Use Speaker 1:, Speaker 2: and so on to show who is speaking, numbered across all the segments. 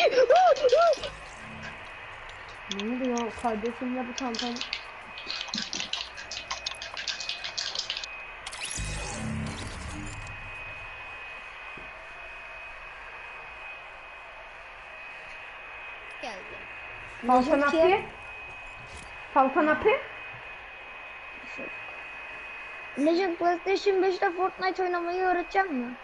Speaker 1: Ne oluyor kardeşimle bu tantan?
Speaker 2: Geldi.
Speaker 1: Falcon Api? Falcon Api?
Speaker 3: Legend PlayStation 5'te Fortnite oynamayı öğreteceğim mi?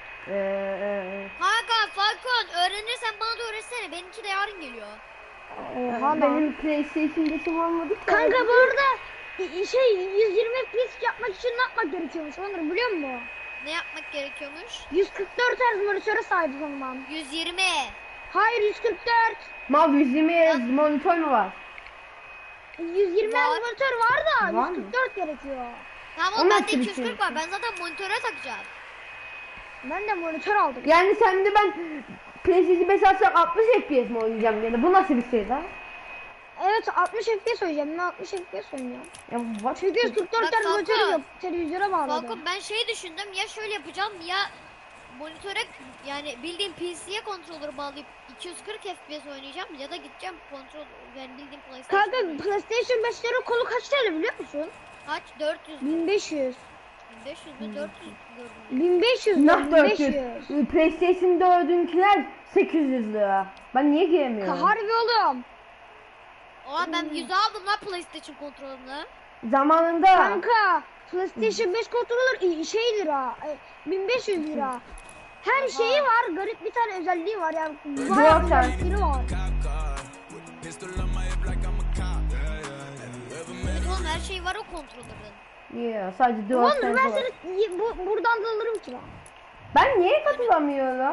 Speaker 2: Hakan, Falcon öğrenirsen bana da öğretsene. Benimki de yarın geliyor.
Speaker 3: Oha
Speaker 1: Benim PlayStation 5'im olmadı ki.
Speaker 3: Kanka bu arada 120 FPS yapmak için ne yapmak gerekiyormuş Onur biliyor musun?
Speaker 2: Ne yapmak gerekiyormuş?
Speaker 3: 144 Hz monitöre sahip olmam.
Speaker 2: 120.
Speaker 3: Hayır 144.
Speaker 1: Mal 120 monitör mü var?
Speaker 3: 120
Speaker 2: Var.
Speaker 3: Hz monitör var da
Speaker 1: Var mı?
Speaker 3: 144 gerekiyor.
Speaker 2: Tamam
Speaker 1: O
Speaker 2: oğlum bende
Speaker 1: nasıl bir
Speaker 2: 240
Speaker 1: şey?
Speaker 2: var. Ben zaten monitöre takacağım.
Speaker 3: Ben de monitör aldım.
Speaker 1: Yani sen de ben PlayStation 5 alsam 60 FPS mi oynayacağım yani? Bu nasıl bir şey lan?
Speaker 3: Evet 60 FPS oynayacağım. Ben 60 FPS oynayacağım.
Speaker 1: Ya what?
Speaker 3: Çünkü 144
Speaker 2: Bak,
Speaker 3: Hz monitörü
Speaker 2: Falcon.
Speaker 3: yok. Televizyona bağladım.
Speaker 2: Falcon ben şey düşündüm. Ya şöyle yapacağım ya monitöre yani bildiğim PC'ye controller bağlayıp 240 FPS oynayacağım ya da gideceğim kontrol yani bildiğim PlayStation.
Speaker 3: Kanka PlayStation 5'lerin kolu kaç TL biliyor musun?
Speaker 2: Kaç? 400 mü?
Speaker 3: 1500.
Speaker 2: 1500 mü? 400 gördüm.
Speaker 3: 1500
Speaker 1: Nah 400.
Speaker 3: 1500.
Speaker 1: PlayStation 4'ünkiler 800 lira. Ben niye giremiyorum?
Speaker 3: Harbi oğlum.
Speaker 2: Oha ben 100 aldım lan PlayStation kontrolünü.
Speaker 1: Zamanında
Speaker 3: Kanka PlayStation 5 kontrolör şey lira. 1500 lira. Her şeyi var. Garip bir tane özelliği var yani. Bayağı
Speaker 1: Zaten.
Speaker 3: özellikleri var.
Speaker 2: Evet oğlum her şey var o kontrolörün.
Speaker 1: yeah, sadece 4
Speaker 3: Oğlum ben
Speaker 1: var.
Speaker 3: seni buradan da alırım ki lan.
Speaker 1: Ben niye katılamıyorum?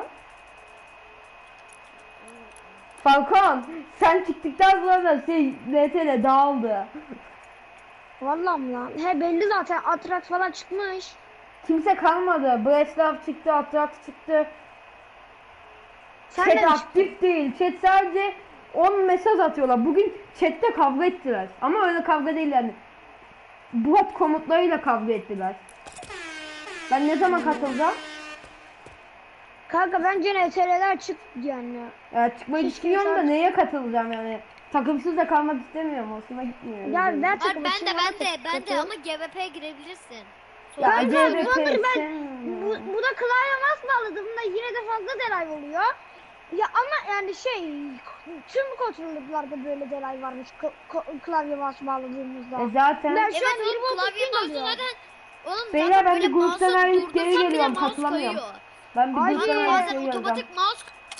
Speaker 1: Falcon sen çıktıktan sonra şey RTL dağıldı.
Speaker 3: Vallahi mi lan? He belli zaten. Atrax falan çıkmış.
Speaker 1: Kimse kalmadı. Breslav çıktı, Atrax çıktı.
Speaker 3: Sen de
Speaker 1: Chat
Speaker 3: mi
Speaker 1: aktif değil. Chat sadece 10 mesaj atıyorlar. Bugün chatte kavga ettiler. Ama öyle kavga değil yani. Bot komutlarıyla kavga ettiler. Ben ne zaman katılacağım?
Speaker 3: Kanka bence NTR'ler çık yani.
Speaker 1: Çıkmayı
Speaker 3: Keşke
Speaker 1: düşünüyorum da
Speaker 3: sadece-
Speaker 1: neye katılacağım yani. Takımsız da kalmak istemiyorum. Hoşuma gitmiyor.
Speaker 3: Ya ben
Speaker 2: Var
Speaker 3: takım
Speaker 2: ben
Speaker 3: için
Speaker 2: de
Speaker 3: bana
Speaker 2: ben de
Speaker 3: takım.
Speaker 2: ama GVP'ye girebilirsin.
Speaker 1: Ya
Speaker 3: Kanka,
Speaker 1: CVP
Speaker 3: Wonder ben
Speaker 1: sen-
Speaker 3: bu da klavye mouse bağladığımda yine de fazla delay oluyor. Ya ama yani tüm kontrolörlerde böyle delay varmış klavye mouse bağladığımızda.
Speaker 1: zaten
Speaker 3: Ben şu an
Speaker 2: Evet
Speaker 3: 20
Speaker 2: oğlum klavye
Speaker 3: ping
Speaker 2: mouse'u
Speaker 3: alıyor.
Speaker 2: zaten oğlum
Speaker 1: Beyler,
Speaker 2: zaten
Speaker 1: ben
Speaker 2: böyle
Speaker 1: bir gruptan
Speaker 2: mouse'u
Speaker 1: ayrılıp geri
Speaker 2: durdursam bile
Speaker 1: geliyorum,
Speaker 2: mouse
Speaker 1: katılamıyorum.
Speaker 2: kayıyor.
Speaker 1: ben bir
Speaker 3: Ay,
Speaker 1: gruptan
Speaker 2: Kanka
Speaker 1: ayrılıp
Speaker 2: bazen
Speaker 1: geliyorum.
Speaker 2: otomatik mouse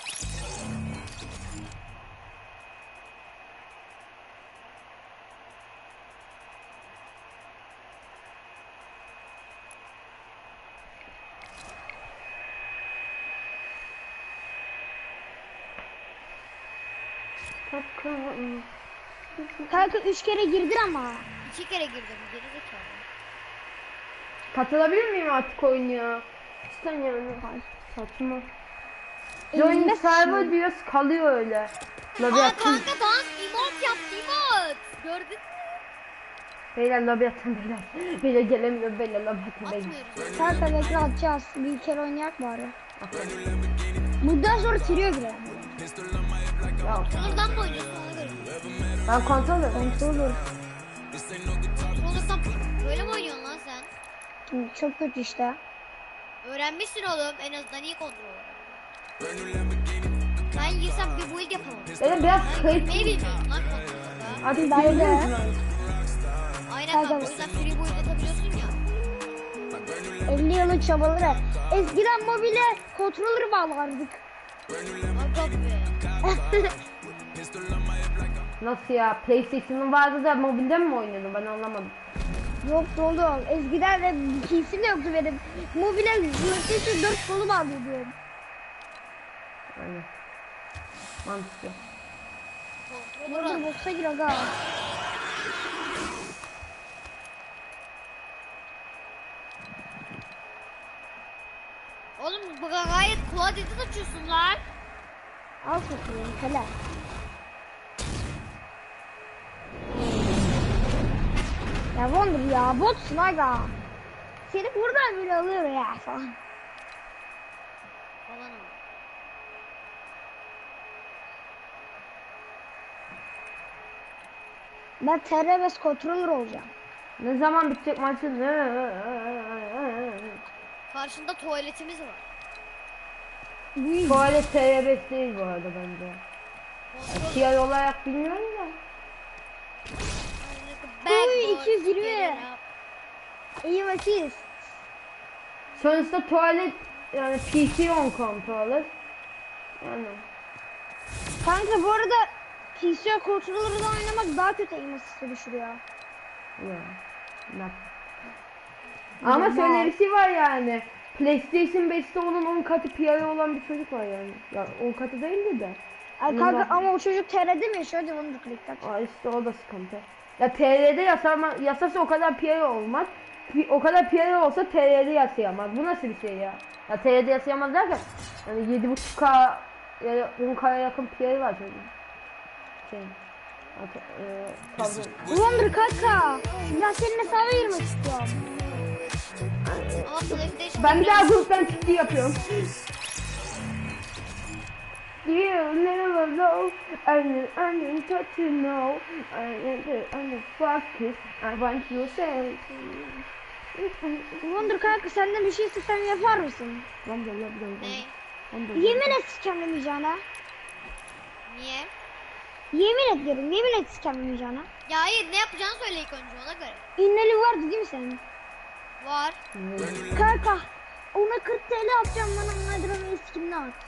Speaker 3: Kanka 3 kere girdin ama.
Speaker 2: 2 kere girdim geri zekalı.
Speaker 1: Katılabilir miyim artık oyun ya? İşte yani. Saçma. Join
Speaker 3: Elimde
Speaker 1: server
Speaker 3: şu.
Speaker 1: diyoruz kalıyor öyle.
Speaker 2: Aa
Speaker 1: Lobi atın.
Speaker 2: kanka dans emote yaptı emote. Gördün mü?
Speaker 1: Beyler lobi atın beyler. Beyler gelemiyor beyler lobi atın beyler.
Speaker 2: Atmıyoruz.
Speaker 3: Kanka bekle atacağız. Bir kere oynayak bari. Bundan sonra trio girelim.
Speaker 1: Ya,
Speaker 2: Controller'dan mı oynuyorsun ona göre?
Speaker 1: ben kontrol ediyorum.
Speaker 3: Kontrolör.
Speaker 2: Controller'dan böyle mi oynuyorsun lan sen?
Speaker 3: Çok kötü işte.
Speaker 2: Öğrenmişsin oğlum en azından iyi kontrol. Ben girsem bir build yapamam.
Speaker 1: Benim biraz
Speaker 2: Ben
Speaker 1: kayıt.
Speaker 2: girmeyi bilmiyorum lan kontroller'da.
Speaker 1: Artık
Speaker 3: Ben de.
Speaker 1: girebiliyorsun artık.
Speaker 2: Aynen
Speaker 3: Kanka-
Speaker 2: kanka o yüzden free build atabiliyorsun ya.
Speaker 3: 50 yılın çabaları. Eskiden mobile kontrolörü bağlardık.
Speaker 2: Aga be.
Speaker 1: Nasıl ya? PlayStation'ın vardı da mobilde mi oynuyordun? Ben anlamadım.
Speaker 3: Yoktu oğlum. Eskiden de PC'm de yoktu benim. Mobile PlayStation 4 kolu bağlıyordum.
Speaker 1: Yani. Mantıklı.
Speaker 2: Kontroller
Speaker 3: Burada
Speaker 2: al.
Speaker 3: boxa gir aga.
Speaker 2: Oğlum bu gayet klavyeden açıyorsun lan.
Speaker 3: Al satayım hele. Ya Wonder ya botsun aga. Seni buradan bile alıyor ya falan.
Speaker 2: Falan ama.
Speaker 3: Ben TR5 controller olacağım.
Speaker 1: Ne zaman bitecek maçın?
Speaker 2: Karşında tuvaletimiz var.
Speaker 1: Tuvalet TR5 değil bu arada bence.
Speaker 2: Kontrol.
Speaker 1: Fiyat olarak bilmiyorum da.
Speaker 3: Uy, 220. İyi vakit.
Speaker 1: Sonuçta tuvalet yani PC on controller. Yani
Speaker 3: Kanka bu arada PC controller'dan oynamak daha kötü aim assist'i düşürüyor.
Speaker 1: ya. Ne? Ama şöyle bir şey var yani. PlayStation 5'te onun 10 katı PR'i olan bir çocuk var yani. Ya 10 katı değildi de.
Speaker 3: Ay kanka ama o çocuk TR'de mi yaşıyor? Hadi onu da klikler.
Speaker 1: Aa işte o da sıkıntı. Ya TR'de yasası o kadar PR olmaz. O kadar PR olsa TR'de yasayamaz. Bu nasıl bir şey ya? Ya TR'de yasayamaz derken yani 7.5K ya da 10K'ya yakın PR var çocuğun. Şey.
Speaker 3: Wonder kanka. Ben senin hesaba girmek istiyorum.
Speaker 2: Ama PlayStation
Speaker 1: Ben bir daha gruptan çıktı yapıyorum. You never know, I need to know, I focus, I want you to say.
Speaker 3: Wonder kanka senden bir şey istesem yapar mısın?
Speaker 2: Ne?
Speaker 3: Yemin et sikemlemeyeceğine.
Speaker 2: Niye?
Speaker 3: Yemin ediyorum, yemin et sikemlemeyeceğine.
Speaker 2: Ya hayır, ne yapacağını söyle ilk önce, ona göre.
Speaker 3: İnneli vardı değil mi senin?
Speaker 2: Var.
Speaker 3: Kanka ona 40 TL atacağım, bana Nadira'nın skimini at.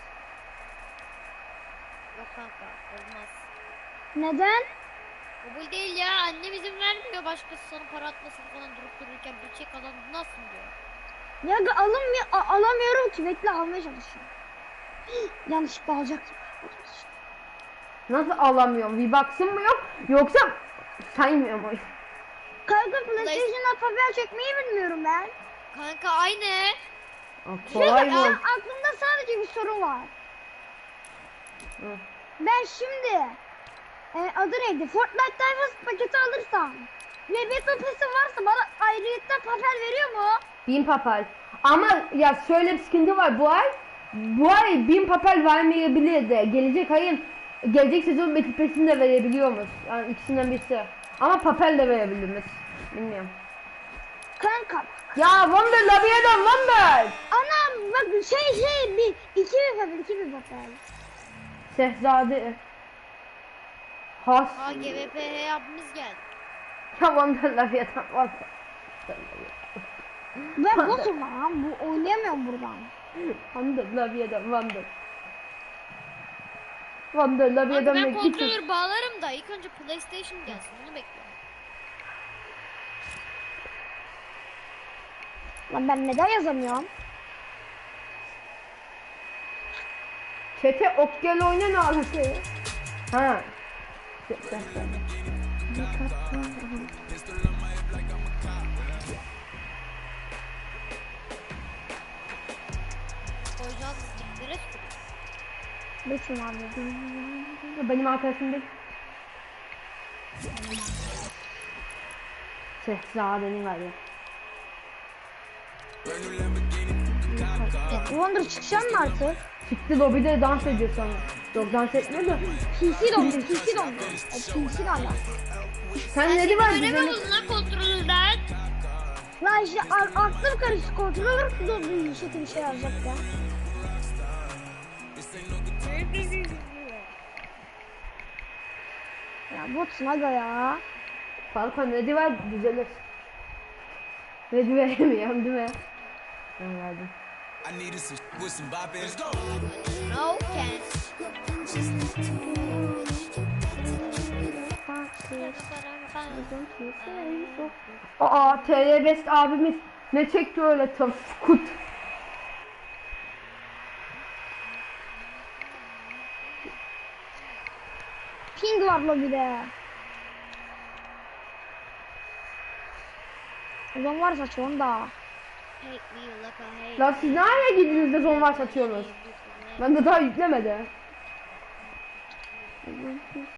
Speaker 2: Yok kanka, olmaz.
Speaker 3: Neden?
Speaker 2: Kabul değil ya, annem izin vermiyor başkası sana para atmasını falan durup dururken bir çek alan nasıl diyor.
Speaker 3: Ya alamıyorum ki, bekle almaya çalışıyorum. Yanlışlıkla alacaktım.
Speaker 1: Nasıl alamıyorum? V-Bucks'ın mı yok? Yoksa saymıyor mu?
Speaker 3: Kanka PlayStation'dan papel çekmeyi bilmiyorum ben.
Speaker 2: Kanka aynı.
Speaker 1: Kolay mı?
Speaker 3: Aklımda sadece bir soru var.
Speaker 1: Hı.
Speaker 3: Ben şimdi adı neydi? Fortnite Divers paketi alırsam ve Battle Pass'i varsa bana ayrıyetten papel veriyor mu?
Speaker 1: 1000 papel. Ama ya şöyle bir sıkıntı var bu ay 1000 papel vermeyebilir de gelecek sezon Battle Pass'ini de verebiliyormuş. Yani ikisinden birisi. Ama papel de verebilirmiş. Bilmiyorum.
Speaker 3: Kanka.
Speaker 1: Ya Wonder lobiye dön Wonder.
Speaker 3: Anam bak iki bir papel.
Speaker 1: Şehzade. Has.
Speaker 2: Ha GVPH abimiz geldi.
Speaker 1: Ya Wonder lobiye dön Wonder.
Speaker 3: Ben bossum lan, bu oynayamıyorum buradan.
Speaker 1: Wonder lobiye dön Wonder. Wonder lobiye
Speaker 2: Kanka ben
Speaker 1: dönmek için.
Speaker 2: kontrolör bağlarım da ilk önce PlayStation gelsin, onu bekliyorum.
Speaker 3: Lan ben neden yazamıyorum?
Speaker 1: Çete ok gel oyna ne alaka ya? Ha.
Speaker 2: Koyacağız stiklere tükürüyor.
Speaker 3: Lütfen abi.
Speaker 1: Benim arkadaşım değil. Şehzadenin galiba.
Speaker 3: Wonder çıkacağım mı artık?
Speaker 1: Çıktı lobide dans ediyor sonra. Yok dans etmiyor da.
Speaker 3: PC dondu. PC dondu.
Speaker 1: Sen ne var
Speaker 2: Göremiyor
Speaker 1: bize?
Speaker 2: musun lan kontrolörden?
Speaker 3: Lan işte aklım karıştı, kontrolör dondu, bir şey yazacak ya. Ya botsun aga ya.
Speaker 1: Falcon ne var düzelir. Ne veremiyorum değil mi? Ben verdim.
Speaker 4: I needed some with some bop in. Let's go.
Speaker 2: No can.
Speaker 1: Aa TL Best abimiz ne çekti öyle tam skut.
Speaker 3: Ping var lobide. O zaman var saçı onda.
Speaker 2: Hate me like a hate.
Speaker 1: Lan siz nereye gittiniz de zon var satıyorsunuz? Ben de daha yüklemedi.